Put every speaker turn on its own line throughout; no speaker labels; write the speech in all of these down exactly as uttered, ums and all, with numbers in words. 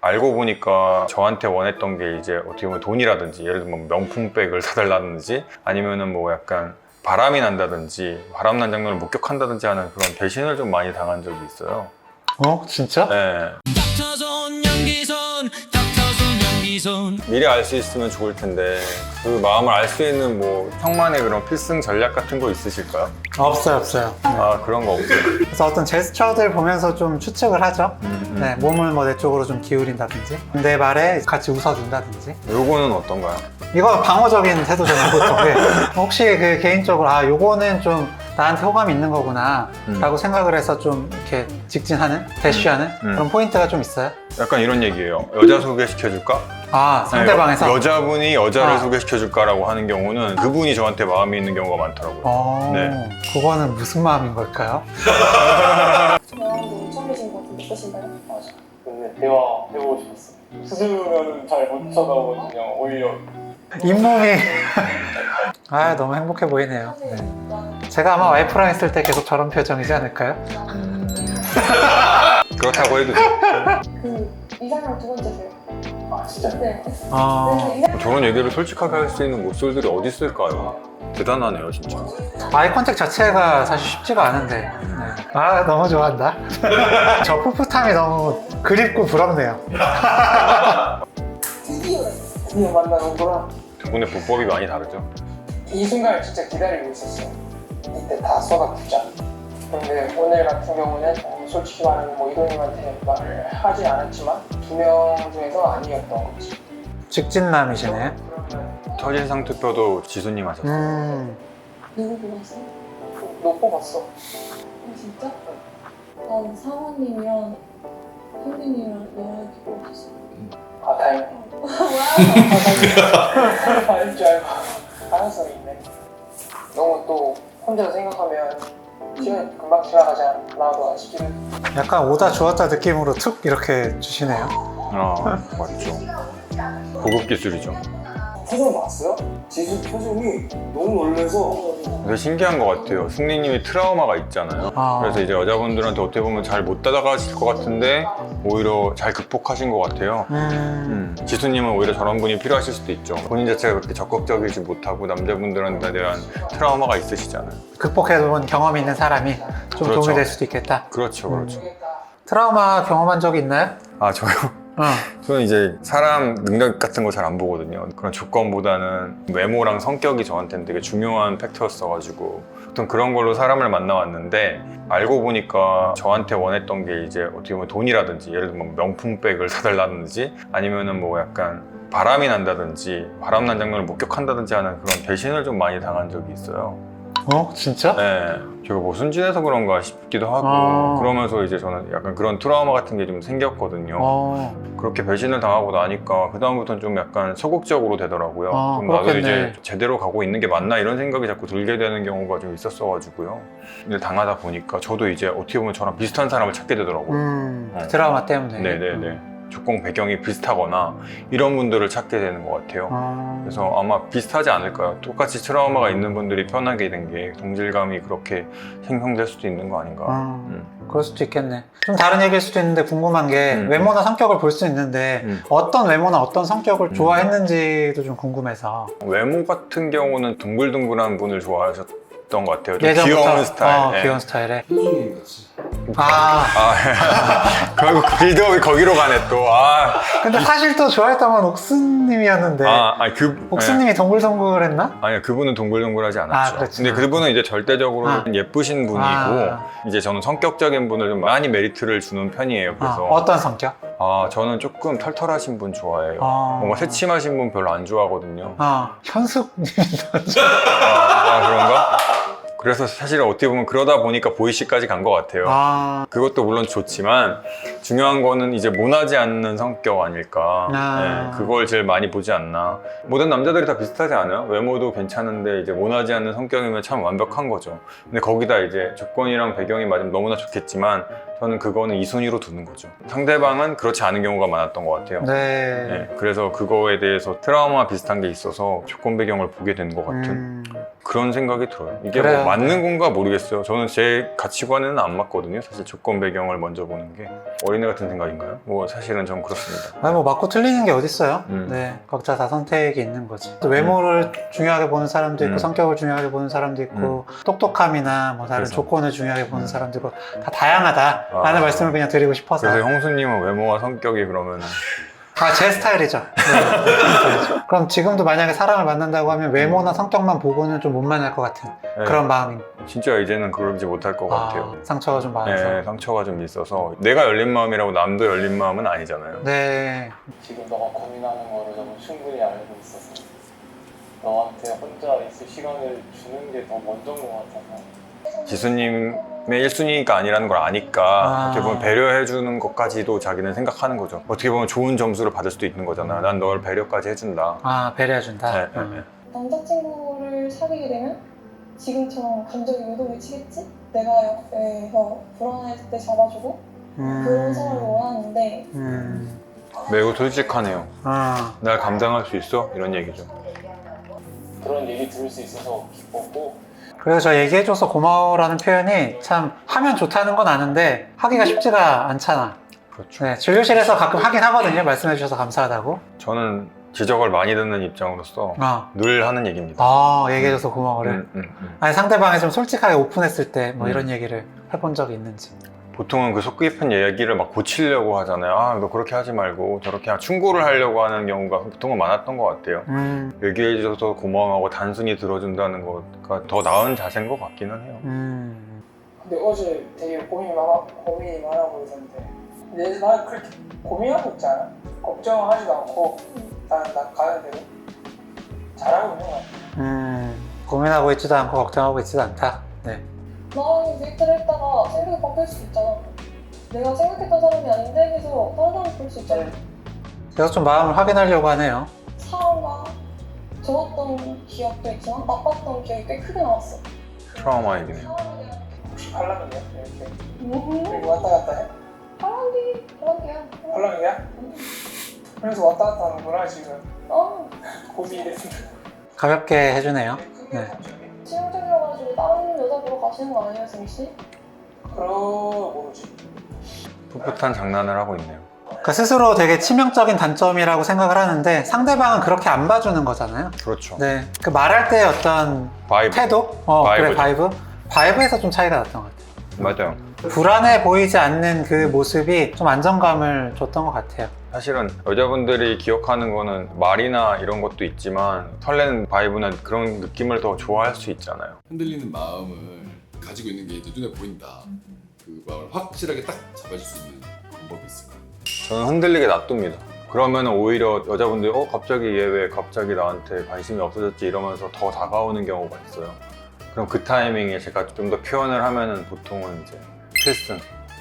알고 보니까 저한테 원했던 게 이제 어떻게 보면 돈이라든지 예를 들면 명품백을 사달라든지 아니면은 뭐 약간 바람이 난다든지 바람난 장면을 목격한다든지 하는 그런 배신을 좀 많이 당한 적이 있어요.
어? 진짜?
네. 미리 알 수 있으면 좋을 텐데 그 마음을 알 수 있는 뭐 형만의 그런 필승 전략 같은 거 있으실까요?
없어요, 없어요.
아 그런 거 없어요.
그래서 어떤 제스처들 보면서 좀 추측을 하죠.
음, 음.
네, 몸을 뭐 내 쪽으로 좀 기울인다든지 내 말에 같이 웃어준다든지.
요거는 어떤가요?
이거 방어적인 태도잖아요, 보통. 네. 혹시 그 개인적으로 아 요거는 좀 나한테 호감이 있는 거구나
음.
라고 생각을 해서 좀 이렇게 직진하는, 대쉬하는
음.
그런 포인트가 좀 있어요?
약간 이런 얘기예요. 여자 소개시켜줄까?
아, 상대방에서?
네, 여, 여자분이 여자를
아.
소개시켜줄까라고 하는 경우는 그분이 저한테 마음이 있는 경우가 많더라고요.
어,
네.
그거는 무슨 마음인 걸까요?
대화도 처음 계신 것 같은데 어떠신가요? 맞아.
근데 대화 해보고 싶었어. 수줍으면 잘 못 쳐다보거든요. 오히려
잇몸이 아 너무 행복해 보이네요. 네. 제가 아마 와이프랑 있을 때 계속 저런 표정이지 않을까요?
그렇다고 해도
그 이상형 두 번째세요.
아 진짜?
네.
어,
네, 이상...
저런 얘기를 솔직하게 할 수 있는 모쏠들이 어디 있을까요? 대단하네요 진짜.
아이 컨택 자체가 사실 쉽지가 않은데. 네. 아 너무 좋아한다. 저 풋풋함이 너무 그립고 부럽네요.
드디어
드디어 만나는구나.
두 분의 보법이 많이 다르죠.
이 순간을 진짜 기다리고 있었어. 이때 다 쏟아붓자. 근데 오늘 같은 경우는 어, 솔직히 말하면 뭐 이도님한테 말을 하지 않았지만 두 명 중에서 아니었던 거지.
직진남이시네.
그러면
첫인상 투표도 지수님 하셨어요.
음,
누구 보셨어요?
너 뽑았어.
아 진짜? 난 사모님이랑 현빈이랑 연락이 없었어.
아 다행이다.
뭐야?
아닐 줄 알고 가능성이 있네. 너무 또 혼자 생각하면 시간이 금방 지나가지 않나도 싶기도.
약간 오다 주었다 느낌으로 툭 이렇게 주시네요.
아 맞죠. 고급 기술이죠.
표정 봤어요? 지수 표정이 너무 놀래서
근데 신기한 것 같아요. 승리님이 트라우마가 있잖아요.
아.
그래서 이제 여자분들한테 어떻게 보면 잘 못 다가가실 것 같은데 오히려 잘 극복하신 것 같아요.
음,
음, 지수님은 오히려 저런 분이 필요하실 수도 있죠. 본인 자체가 그렇게 적극적이지 못하고 남자분들한테 대한 트라우마가 있으시잖아요.
극복해본 경험이 있는 사람이 좀
그렇죠.
도움이 될 수도 있겠다.
그렇죠, 그렇죠.
트라우마 경험한 적이 있나요?
아 저요?
어.
저는 이제 사람 능력 같은 거 잘 안 보거든요. 그런 조건보다는 외모랑 성격이 저한테는 되게 중요한 팩터였어가지고 보통 그런 걸로 사람을 만나왔는데 알고 보니까 저한테 원했던 게 이제 어떻게 보면 돈이라든지 예를 들면 명품백을 사달라든지 아니면은 뭐 약간 바람이 난다든지 바람난 장면을 목격한다든지 하는 그런 배신을 좀 많이 당한 적이 있어요.
어? 진짜?
네, 제가 뭐 순진해서 그런가 싶기도 하고
아.
그러면서 이제 저는 약간 그런 트라우마 같은 게 좀 생겼거든요.
어.
그렇게 배신을 당하고 나니까 그 다음부터는 좀 약간 소극적으로 되더라고요.
아,
좀 나도
그렇겠네.
이제 제대로 가고 있는 게 맞나 이런 생각이 자꾸 들게 되는 경우가 좀 있었어가지고요. 근데 당하다 보니까 저도 이제 어떻게 보면 저랑 비슷한 사람을 찾게 되더라고요.
음,
어.
트라우마 때문에.
네네네. 조건 배경이 비슷하거나 이런 분들을 찾게 되는 것 같아요.
어.
그래서 아마 비슷하지 않을까요? 똑같이 트라우마가 있는 분들이 편하게 된 게 동질감이 그렇게 생성될 수도 있는 거 아닌가.
음,
음.
그럴 수도 있겠네. 좀 다른 얘기일 수도 있는데 궁금한 게
음.
외모나 성격을 볼 수 있는데
음.
어떤 외모나 어떤 성격을 좋아했는지도 좀 궁금해서.
외모 같은 경우는 둥글둥글한 분을 좋아하셨던 것 같아요. 좀
예전부터?
귀여운 스타일.
어,
예.
귀여운 스타일에.
표정이 같이.
아,
아, 결국 빌드업이 거기로 가네 또. 아,
근데 사실 또 좋아했던 건 옥수님이었는데.
아, 아니 그
옥수님이 동글동글했나?
네. 아니요, 그분은 동글동글하지
아,
않았죠.
그렇구나.
근데 그분은 이제 절대적으로
아.
예쁘신 분이고
아.
이제 저는 성격적인 분을 좀 많이 메리트를 주는 편이에요.
아,
그래서
어떤 성격?
아, 저는 조금 털털하신 분 좋아해요.
아.
뭔가 새침하신 분 별로 안 좋아하거든요.
아, 현숙님.
아, 그런가? 그래서 사실 어떻게 보면 그러다 보니까 보이시까지 간 것 같아요.
아,
그것도 물론 좋지만 중요한 거는 이제 모나지 않는 성격 아닐까.
아.
네, 그걸 제일 많이 보지 않나. 모든 남자들이 다 비슷하지 않아요? 외모도 괜찮은데 이제 모나지 않는 성격이면 참 완벽한 거죠. 근데 거기다 이제 조건이랑 배경이 맞으면 너무나 좋겠지만 저는 그거는 이 순위로 두는 거죠. 상대방은 그렇지 않은 경우가 많았던 것 같아요.
네.
네, 그래서 그거에 대해서 트라우마 비슷한 게 있어서 조건 배경을 보게 된 것 같은
음,
그런 생각이 들어요. 이게
그래요.
뭐 맞는 건가 모르겠어요. 저는 제 가치관에는 안 맞거든요. 사실 조건 배경을 먼저 보는 게 어린애 같은 생각인가요? 뭐 사실은 좀 그렇습니다.
아니 뭐 맞고 틀리는 게 어딨어요.
음.
네, 각자 다 선택이 있는 거지. 또 외모를 중요하게 보는 사람도 있고
음.
성격을 중요하게 보는 사람도 있고 똑똑함이나 뭐 다른
그래서.
조건을 중요하게 보는
음.
사람도 있고 다 다양하다라는
아.
말씀을 그냥 드리고 싶어서.
그래서 형수님은 외모와 성격이 그러면
아, 제 스타일이죠. 네, 제 스타일이죠. 그럼 지금도 만약에 사람을 만난다고 하면 외모나 성격만 보고는 좀 못 만날 것 같은
네,
그런 마음이.
진짜 이제는 그러지 못할 것 같아요.
아, 상처가 좀 많아서.
네, 상처가 좀 있어서 내가 열린 마음이라고 남도 열린 마음은 아니잖아요.
네.
지금 너가 고민하는 거를 너무 충분히 알고 있어서 너한테 혼자 있을 시간을 주는 게 더 먼저인 것 같아서.
지수님의 일 순위가 아니라는 걸 아니까
아.
어떻게 보면 배려해주는 것까지도 자기는 생각하는 거죠. 어떻게 보면 좋은 점수를 받을 수도 있는 거잖아. 난 널 배려까지 해준다.
아, 배려해준다.
네, 네,
음.
네.
남자친구를 사귀게 되면 지금처럼 감정이 요동치겠지? 내가 옆에서 불안할 때 잡아주고 그런 사람을 원하는데
음.
매우 솔직하네요.
아,
날 감당할 수 있어? 이런 얘기죠.
그런 얘기 들을 수 있어서 기뻤고
그래서 저 얘기해줘서 고마워라는 표현이 참 하면 좋다는 건 아는데 하기가 쉽지가 않잖아.
그렇죠.
네, 진료실에서 가끔 하긴 하거든요. 말씀해주셔서 감사하다고.
저는 지적을 많이 듣는 입장으로서
아,
늘 하는 얘기입니다.
아 얘기해줘서 고마워를.
음, 음, 음.
아니 상대방이 좀 솔직하게 오픈했을 때 뭐
음.
이런 얘기를 해본 적이 있는지.
보통은 그 속 깊은 얘기를 막 고치려고 하잖아요. 아, 너 그렇게 하지 말고 저렇게 하- 충고를 하려고 하는 경우가 보통은 많았던 것 같아요.
음,
얘기해줘서 고마워하고 단순히 들어준다는 거가 더 나은 자세인 것 같기는 해요.
음.
근데 어제 되게 고민이 많아, 고민이 많아 보이던데 근데 나 그렇게 고민하고 있지 않아? 걱정하지도 않고 난, 난 가는 대로 잘하고 있는 것 같아.
음, 고민하고 있지도 않고 걱정하고 있지도 않다. 네.
나랑 데이트를 했다가 생각이 바뀔 수 있잖아. 내가 생각했던 사람이 아닌데 계속 다른 사람 볼 수 있잖아.
그래서 좀 마음을 확인하려고 하네요.
사람과 좋았던 기억도 있지만 나빴던 기억이 꽤 크게 나왔어.
트라우마이기네요.
혹시 팔랑이야? 이렇게
음,
이렇게 왔다 갔다 해?
바람기, 바람기야.
팔랑이야? 그래서 왔다 갔다 하는구나 지금.
어,
고민이 됐습니다.
가볍게 해주네요. 네.
치명적이어가지고 다른 여자 보러 가시는 거 아니에요, 승희 씨?
그럼 모르지.
풋풋한 장난을 하고 있네요.
그러니까 스스로 되게 치명적인 단점이라고 생각을 하는데 상대방은 그렇게 안 봐주는 거잖아요.
그렇죠.
네. 그 말할 때 어떤
바이브.
태도? 어, 그래,
바이브죠.
바이브? 바이브에서 좀 차이가 났던 것 같아요.
맞아요.
불안해 보이지 않는 그 모습이 좀 안정감을 줬던 것 같아요.
사실은 여자분들이 기억하는 거는 말이나 이런 것도 있지만 설레는 바이브나 그런 느낌을 더 좋아할 수 있잖아요.
흔들리는 마음을 가지고 있는 게 눈에 보인다. 그 마음을 확실하게 딱 잡아줄 수 있는 방법이 있을까요?
저는 흔들리게 놔둡니다. 그러면 오히려 여자분들이 어 갑자기 얘 왜 갑자기 나한테 관심이 없어졌지 이러면서 더 다가오는 경우가 있어요. 그럼 그 타이밍에 제가 좀 더 표현을 하면은 보통은 이제 필승.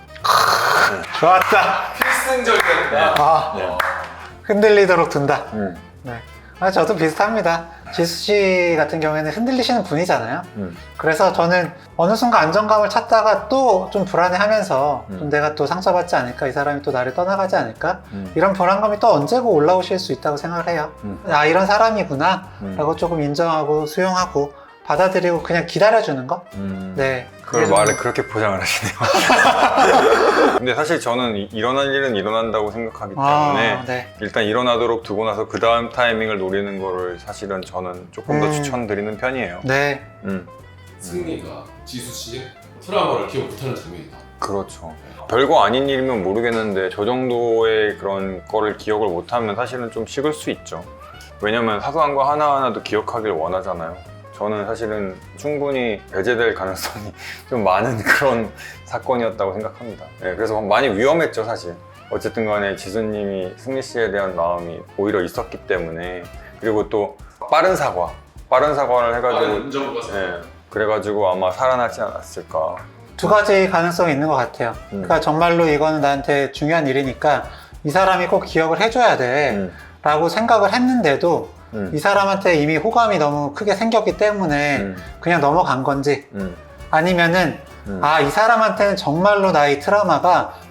좋았다.
필승적이다.
아,
네.
흔들리도록 둔다.
음,
네. 아, 저도 비슷합니다. 지수 씨 같은 경우에는 흔들리시는 분이잖아요.
음.
그래서 저는 어느 순간 안정감을 찾다가 또 좀 불안해하면서
음.
좀 내가 또 상처받지 않을까, 이 사람이 또 나를 떠나가지 않을까,
음.
이런 불안감이 또 언제고 올라오실 수 있다고 생각을 해요.
음.
아, 이런 사람이구나
음.
라고 조금 인정하고 수용하고 받아들이고 그냥 기다려주는 거?
음.
네.
그걸
그게 좀-
말을 그렇게 포장을 하시네요. 근데 사실 저는 이- 일어날 일은 일어난다고 생각하기 때문에
아, 네.
일단 일어나도록 두고 나서 그 다음 타이밍을 노리는 거를 사실은 저는 조금 더
음.
추천드리는 편이에요.
네.
음,
승리가 지수 씨의 트라우마를 기억 못하는 장면이다.
그렇죠. 별거 아닌 일이면 모르겠는데 저 정도의 그런 거를 기억을 못하면 사실은 좀 식을 수 있죠. 왜냐면 사소한 거 하나하나도 기억하길 원하잖아요. 저는 사실은 충분히 배제될 가능성이 좀 많은 그런 사건이었다고 생각합니다. 네, 그래서 많이 위험했죠, 사실. 어쨌든 간에 지수님이 승리 씨에 대한 마음이 오히려 있었기 때문에 그리고 또 빠른 사과, 빠른 사과를 해가지고
인정과
네, 그래가지고 아마 살아나지 않았을까.
두 가지 가능성이 있는 것 같아요.
음.
그러니까 정말로 이거는 나한테 중요한 일이니까 이 사람이 꼭 기억을 해줘야 돼
음,
라고 생각을 했는데도
음,
이 사람한테 이미 호감이 너무 크게 생겼기 때문에
음,
그냥 넘어간 건지
음,
아니면은
음.
아, 이 사람한테는 정말로 나의 트라우마가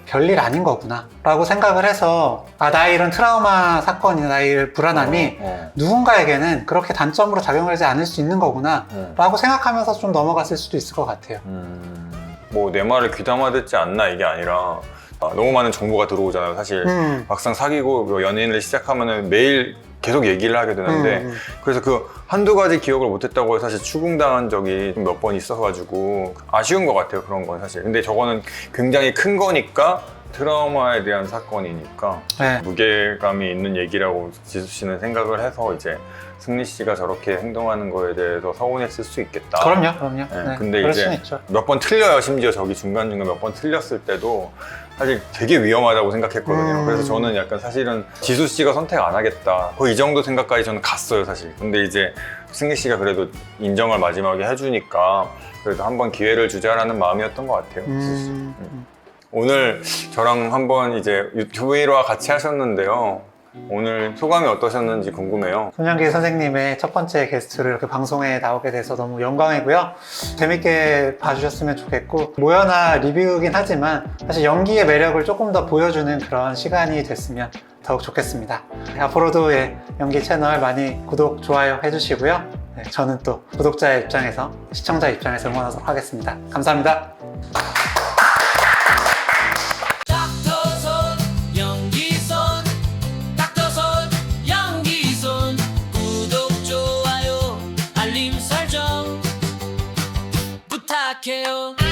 별일 아닌 거구나 라고 생각을 해서 아 나의 이런 트라우마 사건이나 나의 이런 불안함이
어,
누군가에게는 그렇게 단점으로 작용하지 않을 수 있는 거구나
어.
라고 생각하면서 좀 넘어갔을 수도 있을 것 같아요.
음, 뭐 내 말을 귀담아 듣지 않나 이게 아니라 아, 너무 많은 정보가 들어오잖아요. 사실
음.
막상 사귀고 뭐 연인을 시작하면은 매일 계속 얘기를 하게 되는데
음, 음.
그래서 그 한두 가지 기억을 못했다고 해서 사실 추궁당한 적이 몇 번 있어가지고 아쉬운 것 같아요. 그런 건 사실. 근데 저거는 굉장히 큰 거니까 트라우마에 대한 사건이니까
네.
무게감이 있는 얘기라고 지수 씨는 생각을 해서 이제 승리 씨가 저렇게 행동하는 거에 대해서 서운했을 수 있겠다.
그럼요, 그럼요.
네,
네,
근데
그럴
이제
수는 있죠.
몇 번 틀려요. 심지어 저기 중간중간 몇 번 틀렸을 때도 사실 되게 위험하다고 생각했거든요.
음.
그래서 저는 약간 사실은 지수 씨가 선택 안 하겠다. 거의 이 정도 생각까지 저는 갔어요, 사실. 근데 이제 승리 씨가 그래도 인정을 마지막에 해주니까 그래도 한번 기회를 주자라는 마음이었던 것 같아요. 지수 씨.
음,
음. 오늘 저랑 한번 이제 유튜브 일 화 같이 하셨는데요. 오늘 소감이 어떠셨는지 궁금해요.
손영기 선생님의 첫 번째 게스트로 이렇게 방송에 나오게 돼서 너무 영광이고요. 재밌게 봐주셨으면 좋겠고 모여나 리뷰긴 하지만 사실 연기의 매력을 조금 더 보여주는 그런 시간이 됐으면 더욱 좋겠습니다. 앞으로도 예, 연기 채널 많이 구독, 좋아요 해주시고요. 네, 저는 또 구독자의 입장에서 시청자 입장에서 응원하도록 하겠습니다. 감사합니다.
닥터손 연기손 닥터손 연기손 구독 좋아요 알림 설정 부탁해요.